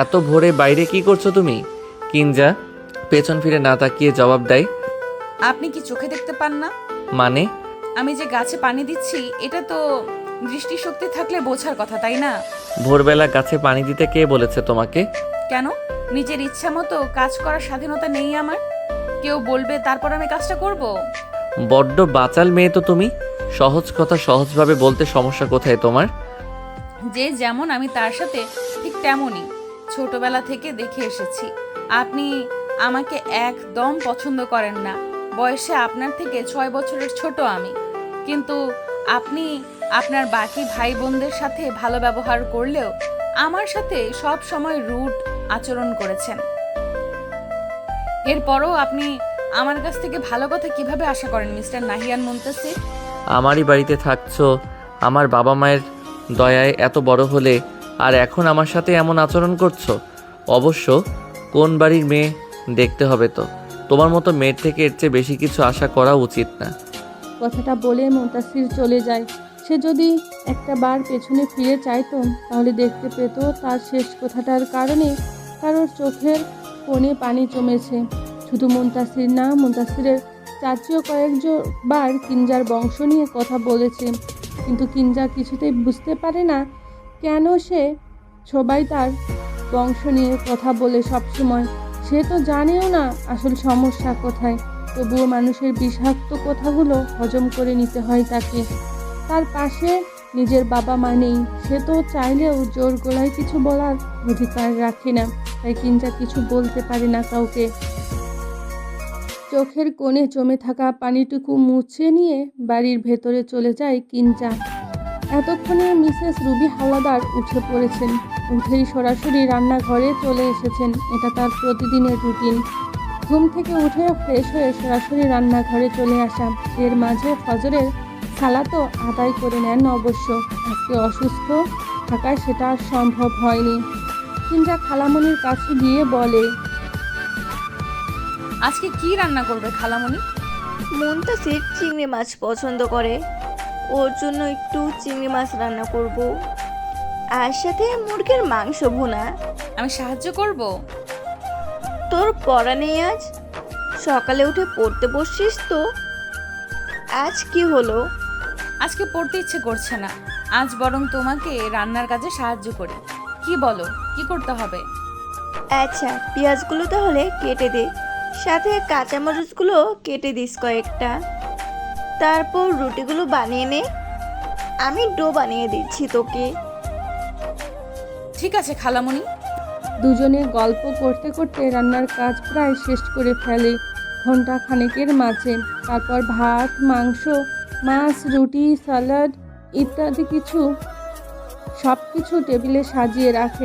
এত ভোরে বাইরে কি করছো তুমি? কিঞ্জা পেছন ফিরে না তাকিয়ে জবাব দেয়, আপনি কি চোখে দেখতে পান না? মানে? আমি যে গাছে পানি দিচ্ছি এটা তো দৃষ্টিশক্তি থাকলে বোঝার কথা, তাই না? ভোরবেলা গাছে পানি দিতে কে বলেছে তোমাকে? কেন? নিজের ইচ্ছা মতো কাজ করার স্বাধীনতা নেই আমার? কেউ বলবে তারপর আমি কাজটা করব? বড্ড বাচাল মেয়ে তো তুমি। সহজ কথা সহজভাবে বলতে সমস্যা কোথায় তোমার? যে যেমন আমি তার সাথে ঠিক তেমনই। ছোটবেলা থেকে দেখে এসেছি আপনি আমাকে একদম পছন্দ করেন না। বয়সে আপনার থেকে 6 বছরের ছোট আমি, কিন্তু আপনি আপনার বাকি ভাই বোনদের সাথে ভালো ব্যবহার করলেও আমার সাথে সব সময় রুড আচরণ করেছেন। এরপরও আপনি আমার কাছ থেকে ভালো কথা কিভাবে আশা করেন মিস্টার নাহিয়ান মুনতাসির? আমারই বাড়িতে থাকছো, আমার বাবা মায়ের দয়ায় এত বড় হলে, আর এখন আমার সাথে এমন আচরণ করছো। অবশ্য কোন বাড়ির মেয়ে দেখতে হবে তো। তোমার মতো মেয়ের থেকে এর চেয়ে বেশি কিছু আশা করা উচিত না। কথাটা বলে মুনতাসির চলে যায়। সে যদি একটা বার পেছনে ফিরে চাইতো তাহলে দেখতে পেত তার শেষ কথাটার কারণে কারোর চোখের কোণে পানি জমেছে। শুধু মুনতাসির না, মুনতাসিরের চাচিও কয়েকবার কিঞ্জার বংশ নিয়ে কথা বলেছে, কিন্তু কিঞ্জা কিছুতেই বুঝতে পারে না কেন সবাই তার বংশ নিয়ে কথা বলে সবসময়। সে তো জানেও না আসল সমস্যা কোথায়, তবুও মানুষের বিষাক্ত কথাগুলো হজম করে নিতে হয় তাকে। তার পাশে নিজের বাবা মা নেই, সে তো চাইলেও জোর গলায় কিছু বলার অধিকার রাখে না, তাই কিঞ্জা কিছু বলতে পারে না কাউকে। চোখের কোণে জমে থাকা পানিটুকু মুছে নিয়ে বাড়ির ভেতরে চলে যায় কিঞ্জা। এতক্ষণে মিসেস রুবি হাওলাদার উঠে পড়েছেন। উঠেই সরাসরি রান্নাঘরে চলে এসেছেন। এটা তার প্রতিদিনের রুটিন। ঘুম থেকে উঠে ফ্রেশ হয়ে সরাসরি রান্নাঘরে চলে আসা। এর মাঝে ফজরের সালাতও আদায় করে নেন অবশ্য। আজকে অসুস্থ থাকায় সেটা আর সম্ভব হয়নি। কিঞ্জা খালামণির কাছে গিয়ে বলে, আজকে কি রান্না করবে খালামণি? মুনতাসির চিংড়ি মাছ পছন্দ করে, ওর জন্য একটু চিংড়ি মাছ রান্না করব, আর সাথে মুরগির মাংস ভুনা। আমি সাহায্য করব? তোর পড়া নেই আজ? সকালে উঠে পড়তে বসছিস তো? আজ কি হলো? আজকে পড়তে ইচ্ছে করছে না, আজ বরং তোমাকে রান্নার কাজে সাহায্য করি। কি বলো, কি করতে হবে? আচ্ছা, পেঁয়াজগুলো তাহলে কেটে দে, সাথে কাঁচামরিচগুলো কেটে দিস কয়েকটা। তারপর রুটিগুলো বানিয়ে নে, আমি ডো বানিয়ে দিচ্ছি তোকে। ঠিক আছে খালামণি। দুজনে গল্প করতে করতে রান্নার কাজ প্রায় শেষ করে ফেলে ঘন্টা খানেকের মাঝে। তারপর ভাত, মাংস, মাছ, রুটি, স্যালাড ইত্যাদি সব কিছু টেবিলে সাজিয়ে রাখে।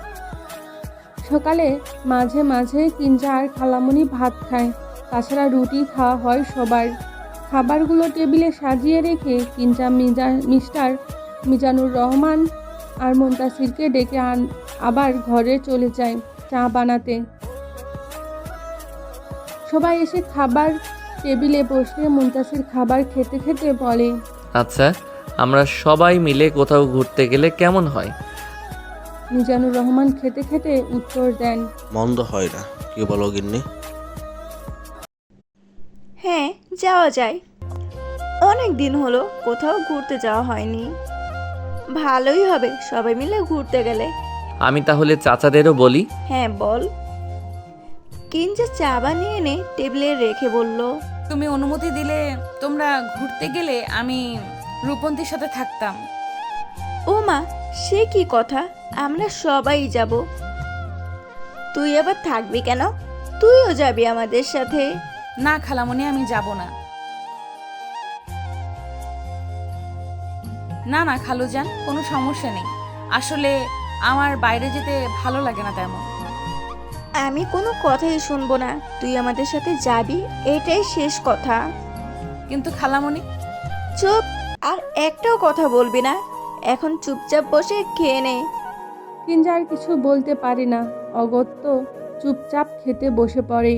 সকালে মাঝে মাঝে কিঞ্জা আর খালামণি ভাত খায়, তাছাড়া রুটি খাওয়া হয় সবার। খাবারগুলো টেবিলে সাজিয়ে রেখে কিঞ্জা মিস্টার মিজানুর রহমান আর মুনতাসিরকে ডেকে আবার ঘরে চলে যায় চা বানাতে। সবাই এসে খাবার টেবিলে বসলে মুনতাসির খাবার খেতে খেতে বলে, আচ্ছা, আমরা সবাই মিলে কোথাও ঘুরতে গেলে কেমন হয়? মিজানুর রহমান খেতে খেতে উত্তর দেন, মন্দ হয় না, কি বলো গিন্নি? হ্যাঁ, যাওয়া যায়। অনেক দিন হলো কোথাও ঘুরতে যাওয়া হয়নি। ভালোই হবে সবাই মিলে ঘুরতে গেলে। আমি তাহলে চাচাদেরও বলি। হ্যাঁ বল। কিঞ্জা চা বানিয়ে এনে টেবিলে রেখে বলল, তুমি অনুমতি দিলে তোমরা ঘুরতে গেলে আমি রূপন্তীর সাথে থাকতাম। ও মা, সে কি কথা? আমরা সবাই যাব। তুই আবার থাকবি কেন? তুইও যাবি আমাদের সাথে। না খালামণি, আমি যাব না। না না খালুজান, কোনো সমস্যা নেই। আসলে আমার বাইরে যেতে ভালো লাগে না তেমন। আমি কোনো কথাই শুনবো না, তুই আমাদের সাথে যাবি, এটাই শেষ কথা। কিন্তু খালামণি। চুপ, আর একটাও কথা বলবি না। এখন চুপচাপ বসে খেয়ে নে। কিঞ্জা আর কিছু বলতে পারে না, অগত্য চুপচাপ খেতে বসে পড়ে।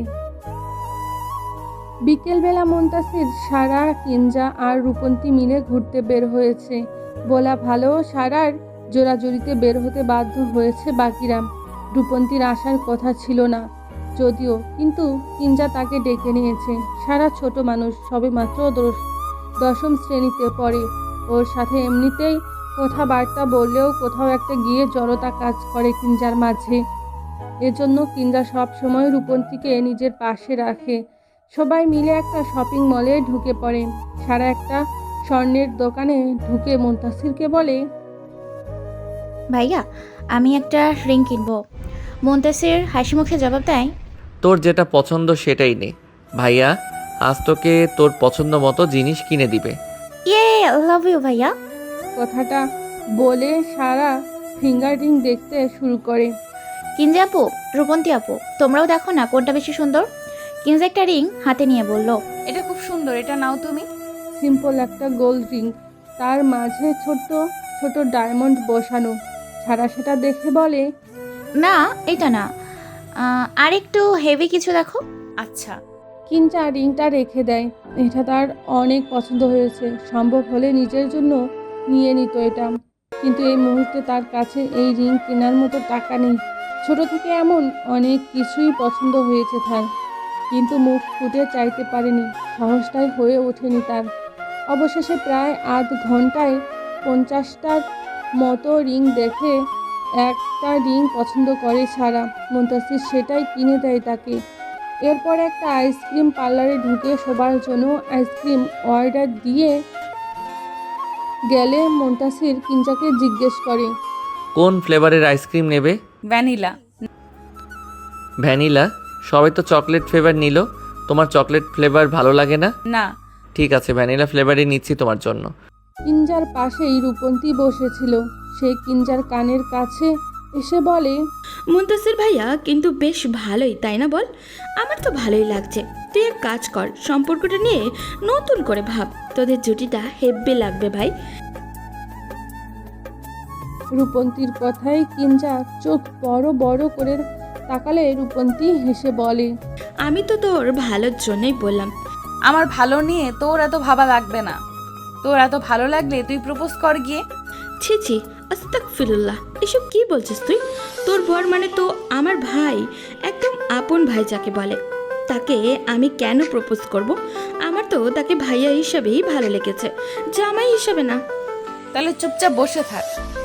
বিকেলবেলা মুনতাসির, সারা, কিঞ্জা আর রূপন্তী মিলে ঘুরতে বের হয়েছে। বলা ভালো, সারার জোরাজুরিতে বের হতে বাধ্য হয়েছে বাকিরা। রূপন্তীর আসার কথা ছিল না যদিও, কিন্তু কিঞ্জা তাকে ডেকে নিয়েছে। সারা ছোট মানুষ, সবেমাত্র দশম শ্রেণীতে পড়ে। ওর সাথে এমনিতেই কথাবার্তা বললেও কোথাও একটা গিয়ে জড়তা কাজ করে কিঞ্জার মাঝে। এজন্য কিঞ্জা সব সময় রূপন্তীকে নিজের পাশে রাখে। সবাই মিলে একটা শপিং মলে ঢুকে পড়ে। সারা একটা স্বর্ণের দোকানে ঢুকে মুনতাসিরকে বলে, ভাইয়া আমি একটা রিং কিনবো। মুনতাসির হাসি মুখে জবাব দেয়, তোর যেটা পছন্দ সেটাই নে ভাইয়া, আজ তোকে তোর পছন্দ মতো জিনিস কিনে দিবে। ইয়ে লাভ ইউ ভাইয়া। কথাটা বলে সারা ফিঙ্গার রিং দেখতে শুরু করে। কিনজা আপু, রূপন্তী আপু, তোমরাও দেখো না কোনটা বেশি সুন্দর। কিনজা একটা রিং হাতে নিয়ে বলল, এটা খুব সুন্দর, এটা নাও তুমি। সিম্পল একটা গোল্ড রিং, তার মাঝে ছোট ছোট ডায়মন্ড বসানো। সারা সেটা দেখে বলে, না এটা না, আর একটু হেভি কিছু দেখো। আচ্ছা। কিঞ্জা রিংটা রেখে দেয়। এটা তার অনেক পছন্দ হয়েছে, সম্ভব হলে নিজের জন্য নিয়ে নিত এটা। কিন্তু এই মুহূর্তে তার কাছে এই রিং কেনার মতো টাকা নেই। ছোট থেকে এমন অনেক কিছুই পছন্দ হয়েছে তার, কিন্তু মুখ ফুটে চাইতে পারেনি, সাহসটাই হয়ে ওঠেনি তার। অবশেষে প্রায় আধ ঘন্টায় 50টার মতো রিং দেখে একটা রিং পছন্দ করে সারা। মুনতাসির সেটাই কিনে দেয় তাকে। এরপর একটা আইসক্রিম পার্লারে ঢুকে সবার জন্য আইসক্রিম অর্ডার দিয়ে গেলে মুনতাসির কিঞ্জাকে জিজ্ঞেস করে, কোন ফ্লেভারের আইসক্রিম নেবে? ভ্যানিলা। ভ্যানিলা? সবাই তো চকলেট ফ্লেভার নিল, তোমার চকলেট ফ্লেভার ভালো লাগে না? না। ঠিক আছে, ভ্যানিলা ফ্লেভারই নিচ্ছি তোমার জন্য। কিঞ্জার পাশেই রূপন্তী বসেছিল। সে কিঞ্জার কানের কাছে এসে বলে, মুনতাসির ভাইয়া কিন্তু বেশ ভালোই, তাই না বল? আমার তো ভালোই লাগছে। তুই এক কাজ কর, সম্পর্কটা নিয়ে নতুন করে ভাব, তোদের জুটিটা হেব্বে লাগবে ভাই। রূপন্তীর কথায় কিঞ্জা চোখ বড় বড় করে তাকালে রূপন্তী হেসে বলে, আমি তো তোর ভালোর জন্যই বললাম। আমার ভালো নিয়ে তোর এত ভাবা লাগবে না। তোর এত ভালো লাগলে তুই প্রপোজ কর গিয়ে। ছি ছি, আস্তাগফিরুল্লাহ, এসব কি বলছিস তুই? তোর বর মানে তো আমার ভাই, একদম আপন ভাই যাকে বলে। তাকে আমি কেন প্রপোজ করব? আমার তো তাকে ভাইয়া হিসাবেই ভালো লেগেছে, জামাই হিসাবে না। তাহলে চুপচাপ বসে থাক।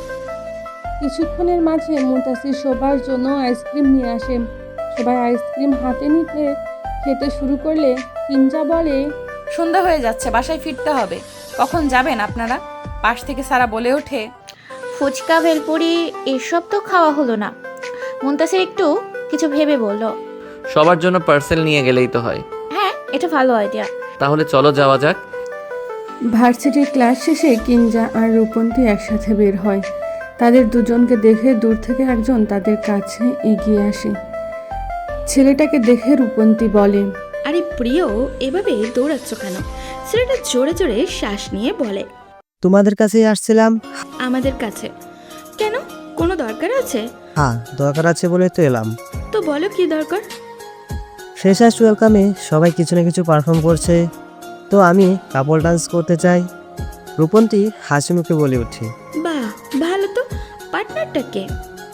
কিছুক্ষণের মাঝে মুনতাসির সবার জন্য আইসক্রিম নিয়ে আসে। সবাই আইসক্রিম হাতে নিতে খেতে শুরু করলে কিঞ্জা বলে, সন্ধ্যা হয়ে যাচ্ছে, বাসায় ফিরতে হবে। কখন যাবেন আপনারা? পাশ থেকে সারা বলে ওঠে, ফুচকা ভেলপুরি এসব তো খাওয়া হলো না। মুনতাসির একটু কিছু ভেবে বলল, সবার জন্য পার্সেল নিয়ে গেলেই তো হয়। হ্যাঁ এটা ভালো আইডিয়া। তাহলে চলো যাওয়া যাক। ভার্সিটির ক্লাস শেষে কিঞ্জা আর রূপন্তী একসাথে বের হয়। তাদের দুজনকে দেখে দূর থেকে একজন তাদের কাছে এগিয়ে আসে। ছেলেটাকে দেখে রূপন্তী বলে, আরে প্রিয়, এভাবে দৌড়াচ্ছ কেন? ছেলেটা জোরে জোরে শ্বাস নিয়ে বলে, তোমাদের কাছেই আসছিলাম। আমাদের কাছে কেন? কোনো দরকার আছে? হ্যাঁ, দরকার আছে বলে তো এলাম। তো বলো কি দরকার। ফ্রেশার্স ওয়েলকামে সবাই কিছু না কিছু পারফর্ম করছে, তো আমি কাপল ডান্স করতে চাই। রূপন্তী হাসি মুখে বলে ওঠে, বাহ ভালো তো, পার্টনারটা কে?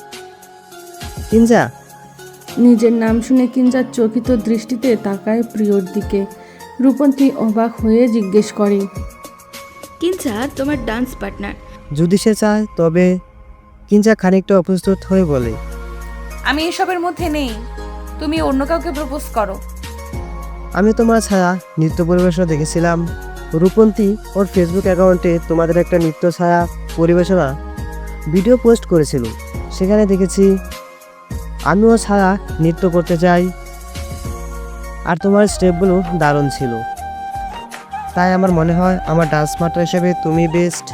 কিঞ্জা। নিজের নাম শুনে কিঞ্জার চকিত দৃষ্টিতে তাকায় প্রিয়র দিকে। রূপন্তী অবাক হয়ে জিজ্ঞেস করে, কিঞ্জা তোমার ডান্স পার্টনার? যদি সে চায় তবে। কিঞ্জা খানিকটা অপ্রস্তুত হয়ে বলে, আমি এসবের মধ্যে নেই, তুমি অন্য কাউকে প্রপোজ করো। আমি তোমার ছায়া নৃত্য পরিবেশনা দেখেছিলাম। রূপন্তী ওর ফেসবুক অ্যাকাউন্টে তোমাদের একটা নৃত্য ছায়া পরিবেশনা ভিডিও পোস্ট করেছিল, সেখানে দেখেছি। আমিও ছায়া নৃত্য করতে চাই, আর তোমার স্টেপগুলো দারুণ ছিল। তাই আমার মনে হয় আমার ডান্স মাস্টার হিসেবে তুমি বেস্ট।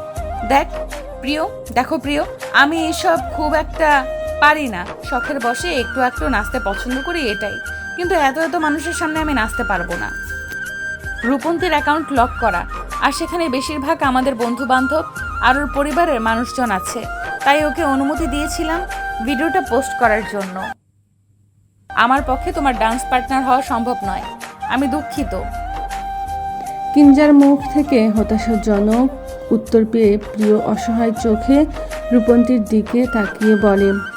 দেখো প্রিয়, আমি এসব খুব একটা পারি না। শখের বসে একটু একটু নাচতে পছন্দ করি, এটাই। কিন্তু এত এত মানুষের সামনে আমি নাচতে পারবো না। রূপন্তীর অ্যাকাউন্ট লক করা, আর সেখানে বেশিরভাগ আমাদের বন্ধু বান্ধব আর ওর পরিবারের মানুষজন আছে। তাই ওকে অনুমতি দিয়েছিলাম ভিডিওটা পোস্ট করার জন্য। আমার পক্ষে তোমার ডান্স পার্টনার হওয়া সম্ভব নয়, আমি দুঃখিত। কিঞ্জার মুখ থেকে হতাশাজনক উত্তর পেয়ে প্রিয় অসহায় চোখে রূপন্তীর দিকে তাকিয়ে বলে,